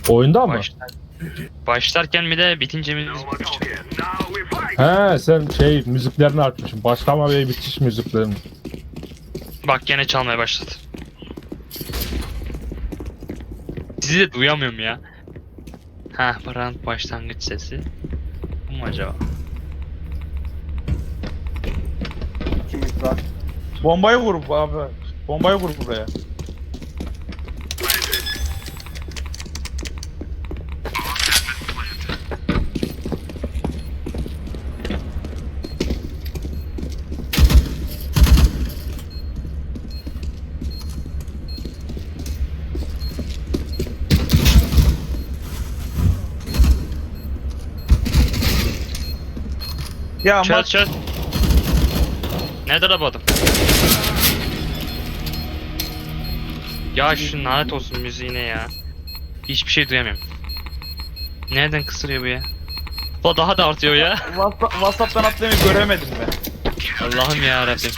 Oyunda mı? Başlarken mi de bitince mi? He sen müziklerini açmışsın. Başlama ve bitiş müziklerini. Bak gene çalmaya başladı. Sizi de duyamıyorum ya. Ha, paranın başlangıç sesi. Bu mu acaba? İkimiz var. Bombayı vur abi. Bombayı vur buraya. Ya Çöz çöz. Nerede la bu adam? Ya şu lanet olsun müziğine ya. Hiçbir şey duyamıyorum. Nereden kısırıyor bu ya? O daha da artıyor ya. WhatsApp'tan atlamayı göremedim ben. Allah'ım ya Rabbim.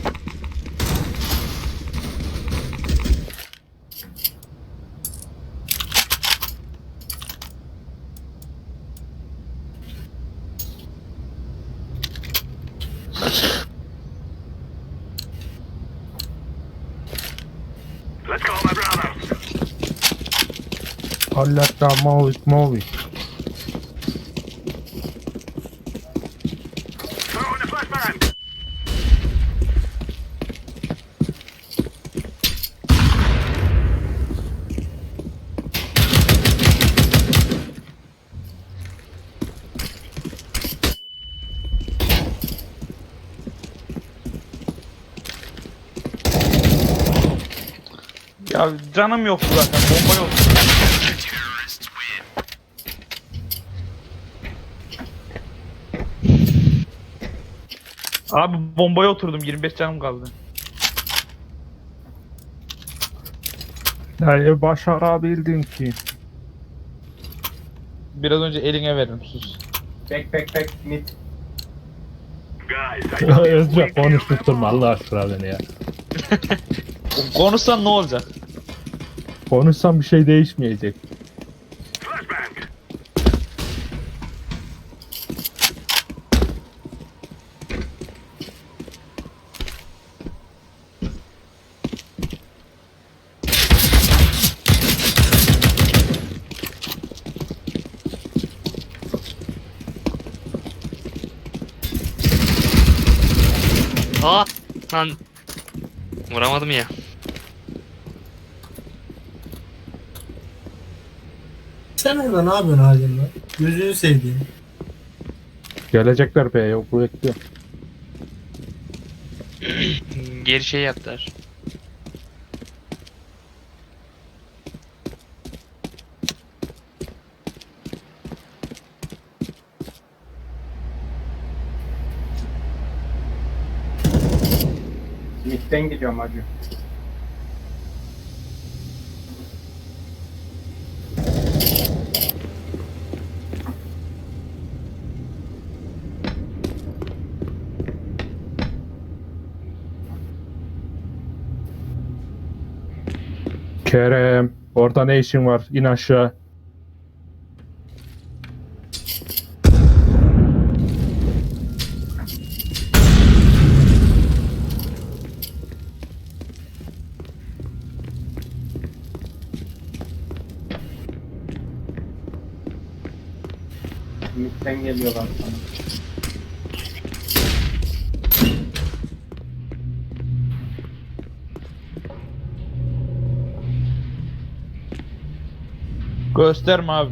Allah'ta mavi. Ya canım yoktu zaten. Bomba yok. Abi bombaya oturdum. 25 canım kaldı. Yani başarabildin ki. Biraz önce eline veririm sus. Back mid. Özce konuşturma Allah aşkına beni ya. Konuşsan ne olacak? Konuşsam bir şey değişmeyecek. Aa lan. Vuramadım ya. Sen orada ne yapıyorsun halimle? Gözünü sevdiğim. Gelecekler be yok bekliyor. Geri şey yaptılar. Mid'den gidiyorum hacı. Kerem orada ne işin var? İn aşağı. Mid'den geliyorlar sana. Gösterme abi.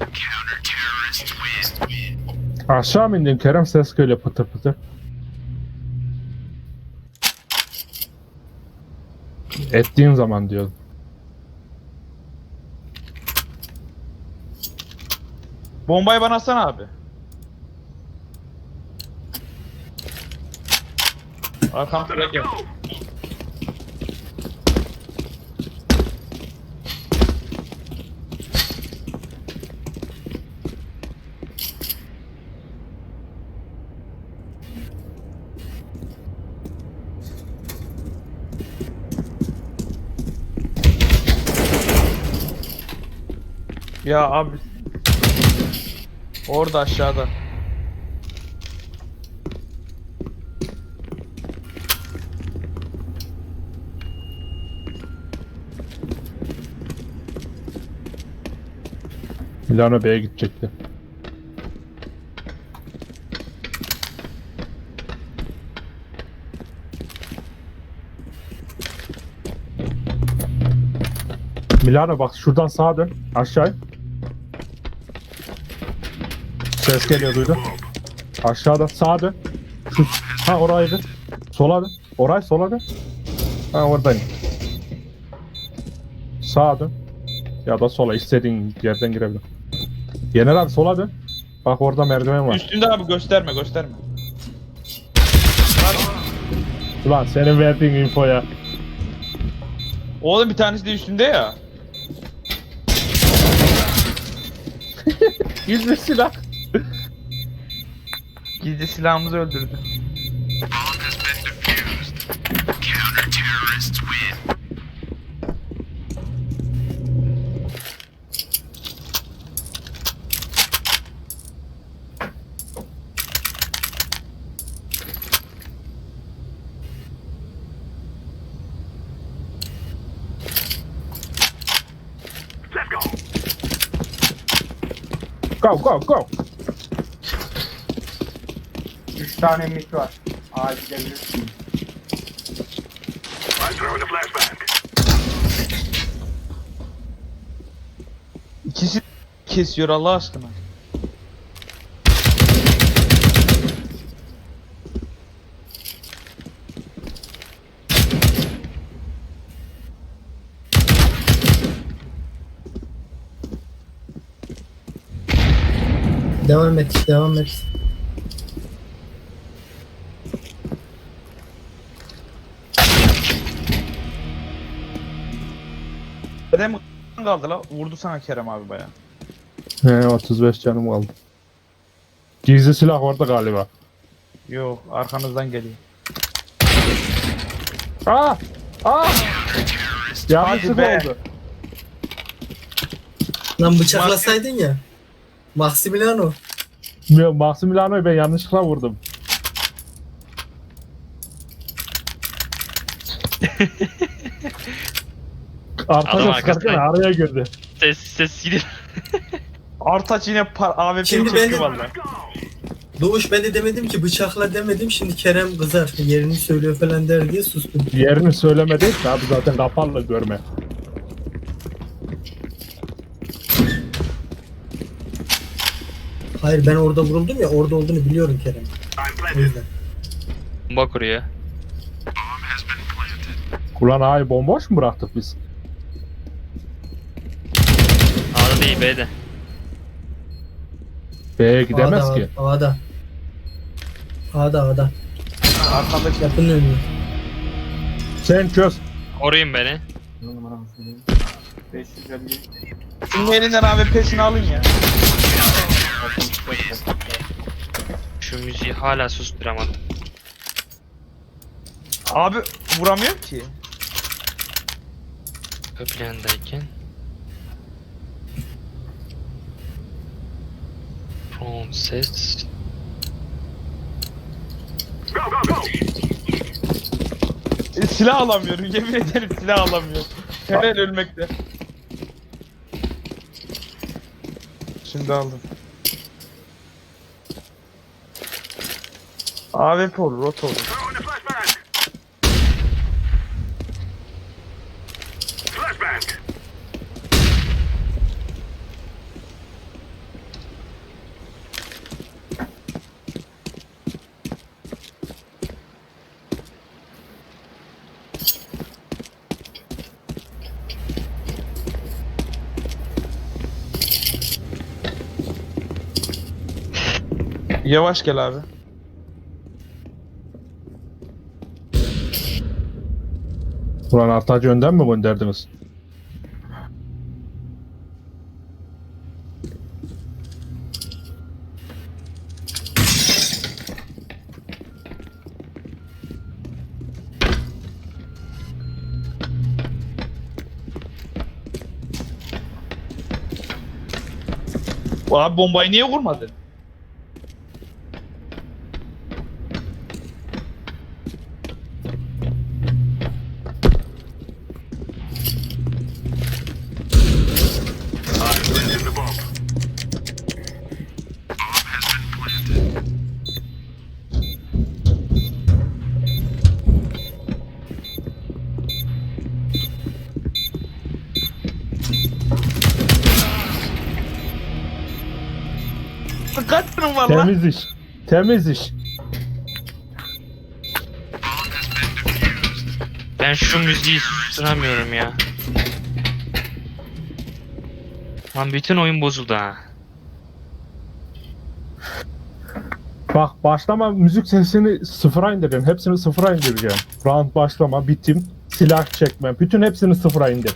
Aşağı mı indin Kerem ses geliyor pıtır pıtır. Ettiğin zaman diyorum. Bombayı bana atsana abi. Arkam süre gel. Ya abi. Orada aşağıda. Milano B'ye gidecekti. Milano bak şuradan sağa dön. Aşağı. Ses geliyor duydun. Aşağıdan sağa dön. Şu, ha oraydı. Sola dön. Orayı sola dön. Ha oradayım. Sağa dön. Ya da sola istediğin yerden girebilir. Yener abi sola dön. Bak orada merdiven var. Üstünde abi gösterme gösterme. Ulan senin verdiğin infoya. Oğlum bir tanesi de üstünde ya. Gizli silah. Gizli silahımızı öldürdü. Go go go. 3 tane mid var. Aa gidebilirsin. İkisi kesiyor Allah aşkına. Devam et, devam et. Kerem kaldı la. Vurdu sana Kerem abi baya. He 35 canım kaldı. Gizli silah orada galiba. Yok arkanızdan geliyor. Aa! Aa! Yanlışlık be. oldu. Lan bıçaklasaydın ya. Maximiliano. Maximiliano'yu ben yanlışlıkla vurdum. Adam Arkadan arkasına- sarkın araya girdi. Ses gidip. Artaç yine AWP'yi Şimdi çekti benim- valla. Doğuş ben de demedim ki bıçakla demedim. Şimdi Kerem kızar. Yerini söylüyor falan der diye sustum. Yerini söylemedi ki abi zaten kapalı görme. Hayır ben orada vuruldum ya. Orada olduğunu biliyorum Kerem. O yüzden. Bomba kuruyor. Ulan ay bomboş mu bıraktık biz? A'da değil B'de. B'ye gidemez A'da, ki. A'da. A'da. Arkandaki Yapın önüne. Sen çöz. Koruyun beni. Ne numaramı söyleyeyim. 550. Şunun elinden AWP'sini alın ya. Şu müziği hala susturamadım. Abi vuramıyor ki. Ön plandayken. From ses. Silah alamıyorum yemin ederim silah alamıyorum. Hemen ölmekte. Şimdi aldım. AWP olur, rot olur. Yavaş gel abi. Ulan Artacı önden mi gönderdiniz? Abi bombayı niye vurmadın? Kaç tane var lan? Temiz iş. Temiz iş. Ben şu müziği susturamıyorum ya. Lan bütün oyun bozuldu ha. Bak başlama müzik sesini sıfıra indireceğim. Hepsini sıfıra indireceğim. Round başlama, bitim, silah çekme. Bütün hepsini sıfıra indir.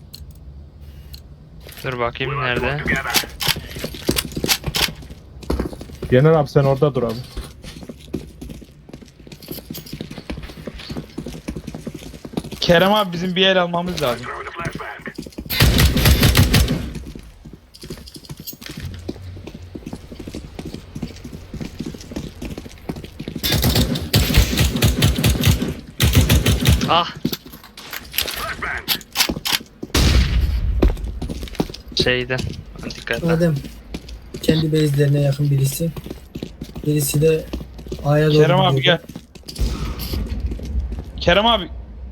Dur bakayım nerede? Yener abi sen orada dur abi. Kerem abi bizim bir el almamız lazım. Ah! Şeyden. Dikkat et. Adem kendi base'lerine yakın birisi. Birisi de A'ya doğru Kerem abi gidiyordu. gel. Kerem abi.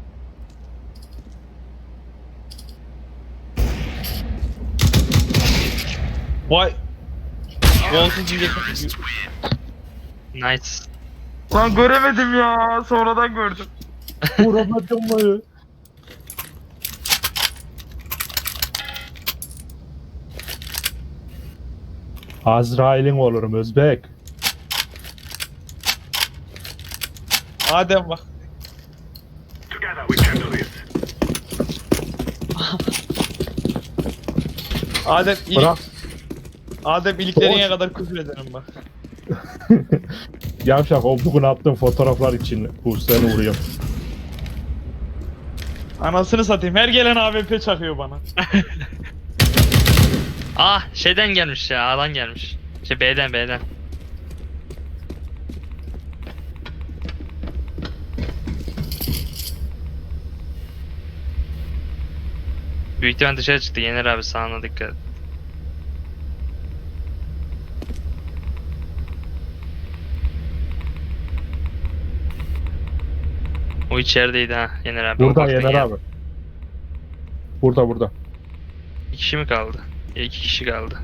Vay. Volsuz diyecektim. Nice. Lan göremedim ya. Sonradan gördüm. Vuramadım mı? Azrail'in olurum Özbek. Adem bak. Adem ilik, Bırak. Adem iliklerine kadar küfür ederim bak. Yavşak o bugün attığım fotoğraflar için bu seni vuruyor. Anasını satayım. Her gelen AWP çakıyor bana. Ah şeyden gelmiş ya. A'dan gelmiş. Şey B'den. Büyük ihtimal dışarı çıktı. Yener abi sağına dikkat. O içerideydi ha Yener abi. O Burada baktın Yener ya. abi. Burada. İki kişi mi kaldı? Ya iki kişi kaldı.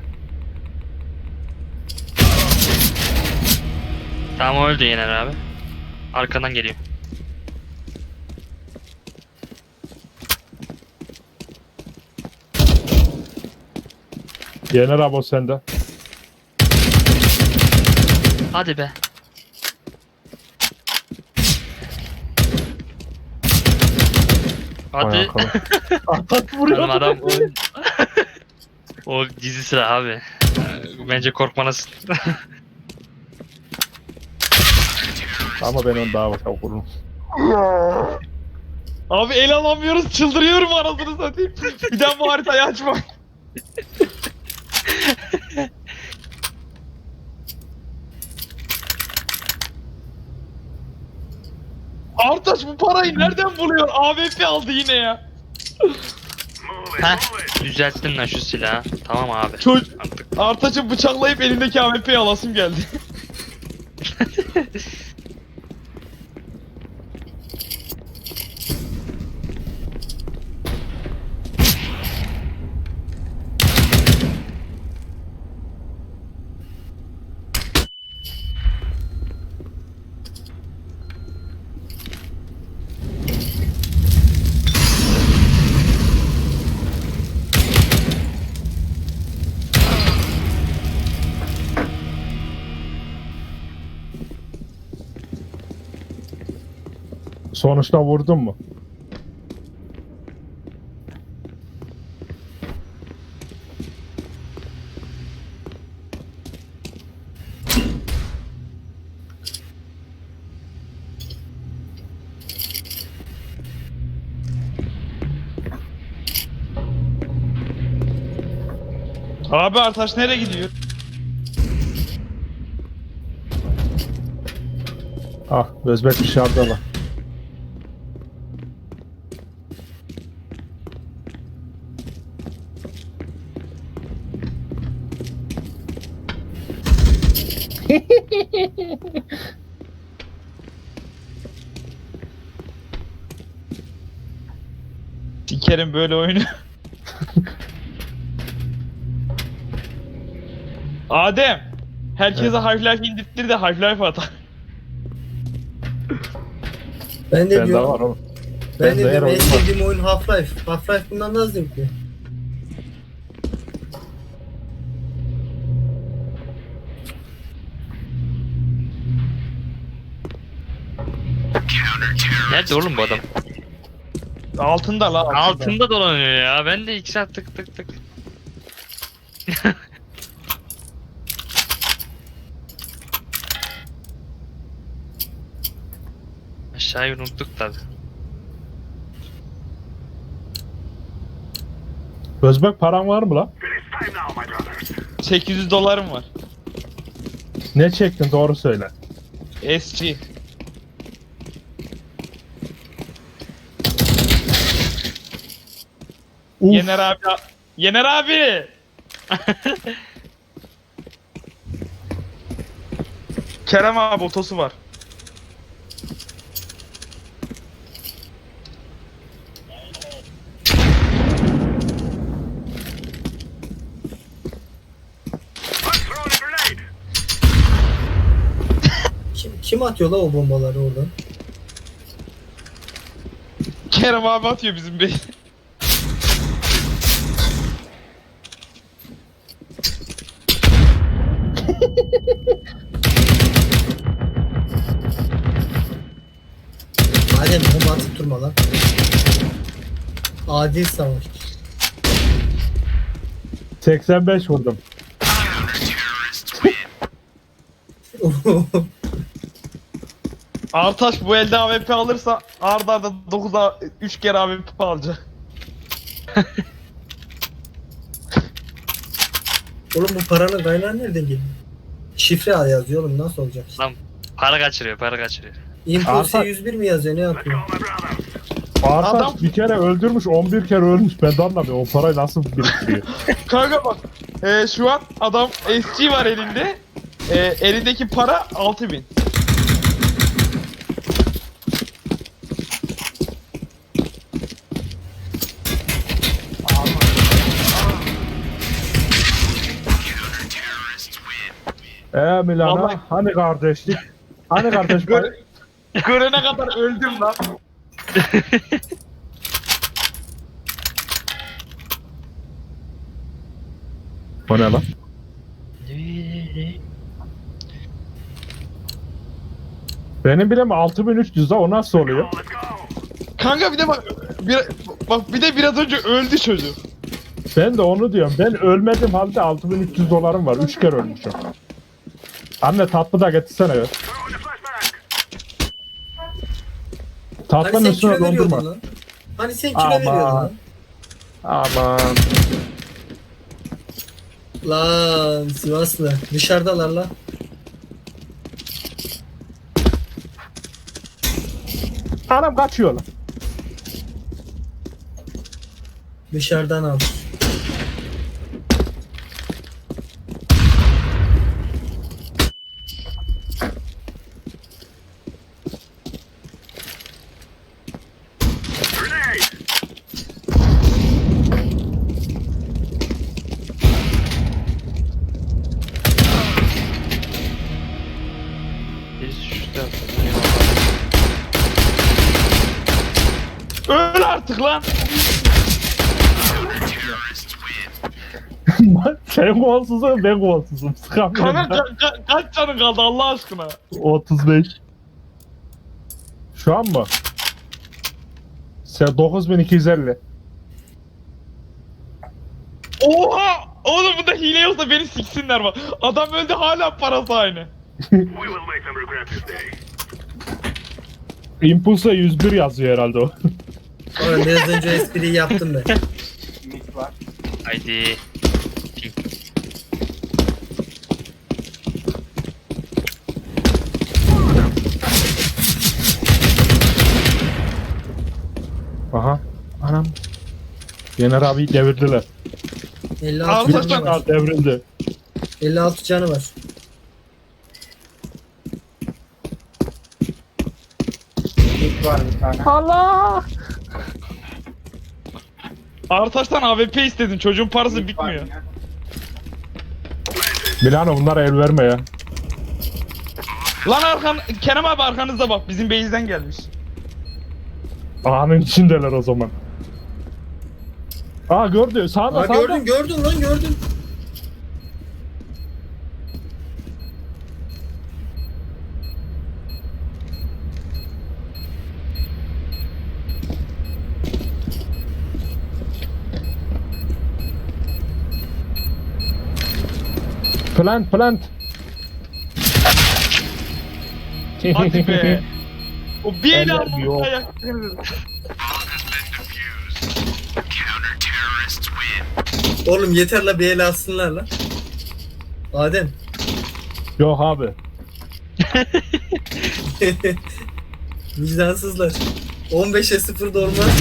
Tamam o öldü Yener abi. Arkadan geliyor. Yener abi o sende. Hadi be. Vay Hadi. arkadaş. Atak vuruyor. Oğlum adam o gizli silah abi. Bence korkmalısın. Ama ben onu daha çok vururum. Abi el alamıyoruz. Çıldırıyorum anasını satayım. Bir daha bu haritayı açma. Artaş bu parayı nereden buluyor? AWP aldı yine ya. Heh, düzelttin lan şu silahı. Tamam abi. Çocuk Artık. Artaç'ı bıçaklayıp elindeki AWP'yi alasım geldi. Sonuçta vurdun mu? Abi Artaş nereye gidiyor? Ah, Özbek dışarıda var. Sikerim böyle oyunu. Adem. Herkese Half-Life indirttir de Half-Life atar. Ben de Bende diyorum. var oğlum. Ben de Bende her diyorum en oyun var. sevdiğim oyun Half-Life. Half-Life bundan daha zevkli. Nerede oğlum bu adam? Altında la altında. Altında dolanıyor ya. Ben de 2 saat tık tık tık. Aşağıyı unuttuk tabi. Özbek paran var mı lan? 800 dolarım var. Ne çektin doğru söyle. SG. Uf, Yener abi. Yener abi. Kerem abi otosu var. Kim atıyor la o bombaları oradan? Kerem abi atıyor bizim bey. Adem bomba atıp durma lan. Adil savaş. 85 vurdum. Artaş bu elde AWP alırsa arda arda 9'a 3 kere AWP alacak. Oğlum bu paranın kaynağı nereden geliyor? Şifre al yazıyor oğlum nasıl olacak? Para kaçırıyor, para kaçırıyor. Impulse Arta- 101 mi yazıyor ne yapıyor? Artaş Adam- bir kere öldürmüş 11 kere ölmüş. Ben de anlamıyorum o parayı nasıl biriktiriyor. Kanka bak şu an adam SG var elinde. Elindeki para 6000. Milana Vallahi- hani kardeşlik? Hani kardeş pay? Görene kadar öldüm lan. O ne lan? Benim bile mi 6300 da o nasıl oluyor? Kanka bir de bak bir de biraz önce öldü çocuk. Ben de onu diyorum. Ben ölmedim halde 6300 dolarım var. 3 kere ölmüşüm. Anne tatlı da getirsene ya. Hani Tatlının sen üstüne kilo veriyordun dondurma. lan. Hani sen kilo Aman. veriyordun lan. Aman. Lan Sivaslı. Dışarıdalar lan. Anam kaçıyor lan. Dışarıdan al. Biz şu tarafta. Öl artık lan. Sen golsuzum ben golsuzum. Sıkamıyorum. Kanka kaç canın kaldı Allah aşkına. 35. Şu an mı? Sen 9250. Oha! Oğlum bunda hile yoksa beni siksinler bak. Adam öldü hala parası aynı. Impulse'a 101 yazıyor herhalde o. Oğlum biraz önce espriyi yaptım ben. Mit var. Haydi. Yener abi devirdiler. 56 Al canı taştan var. Aa, devrildi. 56 canı var. Mit var bir tane. Allah! Artaş'tan AWP istedin. Çocuğun parası Mit var bitmiyor. yine. Milano bunlara el verme ya. Lan arkan Kerem abi arkanızda bak. Bizim base'den gelmiş. Ağanın içindeler o zaman. Aa gördü. Sağda Aa, sağda. gördün lan gördün. Plant plant. Hadi be. O bir el Eller yok. almamaya yak. Oğlum yeter la bir el alsınlar la. Adem. Yok abi. Vicdansızlar. 15'e 0 da olmaz.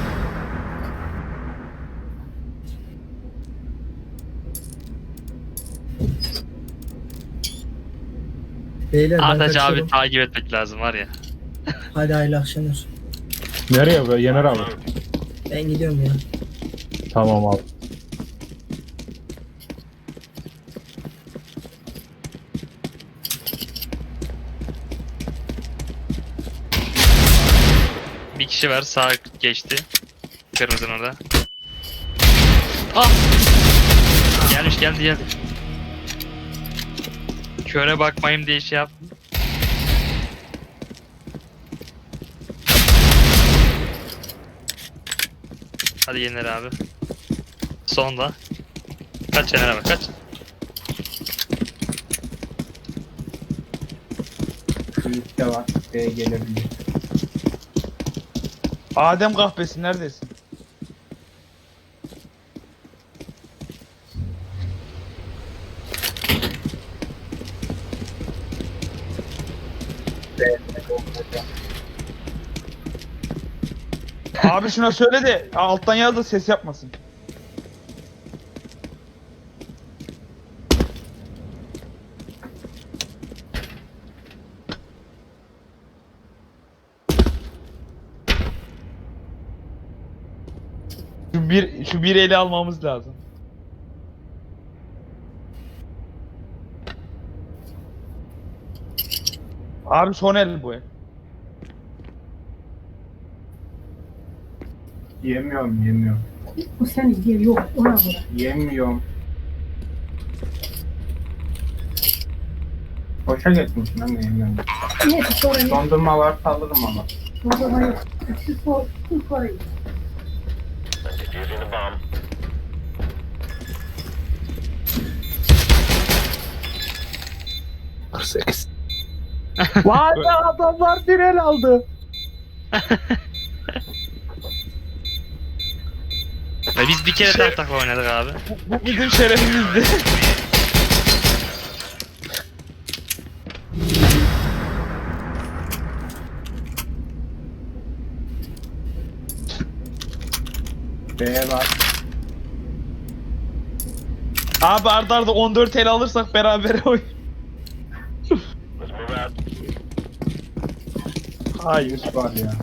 Beyler ben Artaç abi kaçıyorum. takip etmek lazım var ya. Hadi hayırlı akşamlar. Nereye be Yener abi? Ben gidiyorum ya. Tamam abi. Bir kişi var sağ geçti. Kırmızının orada. Ah! Geldi. Köre bakmayayım diye şey yaptım. Hadi Yener abi. Sonda. Kaç Yener abi kaç. Mit de var. B'ye gelebilir. Adem kahvesi neredesin? Abi şuna söyle de alttan yaz da ses yapmasın. Şu bir eli almamız lazım. Abi son el bu el. Yemiyorum. Bu seni diye yok ona göre. Yemiyorum. Boşa geçmişsin ama yemiyorum. Neyse sonra ne? Dondurma varsa alırım ama. Burada var yok. Şu sonra. Vay be adamlar bir el aldı. Ve biz bir kere tak takla oynadık abi. Bu bizim şerefimizdi. B'ye var. Abi arda arda 14 el alırsak beraber oy. Hayır. Mit var ya.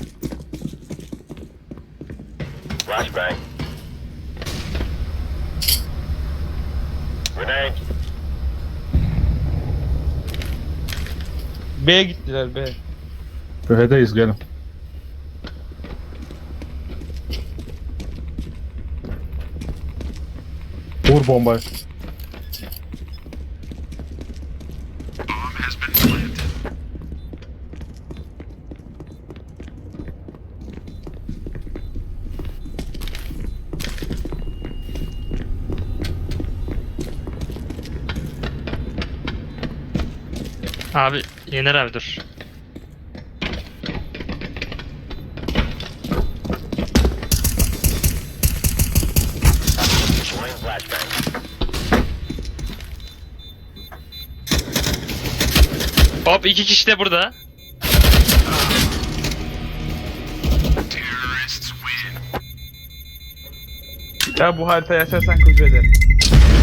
Flashbang. Grenade. B'ye gittiler B. B'deyiz gelin. Vur bombayı. Abi Yener abi dur. Deploying flashbang. Hop iki kişi de burada. Ya bu haritayı açarsan kuzu ederim.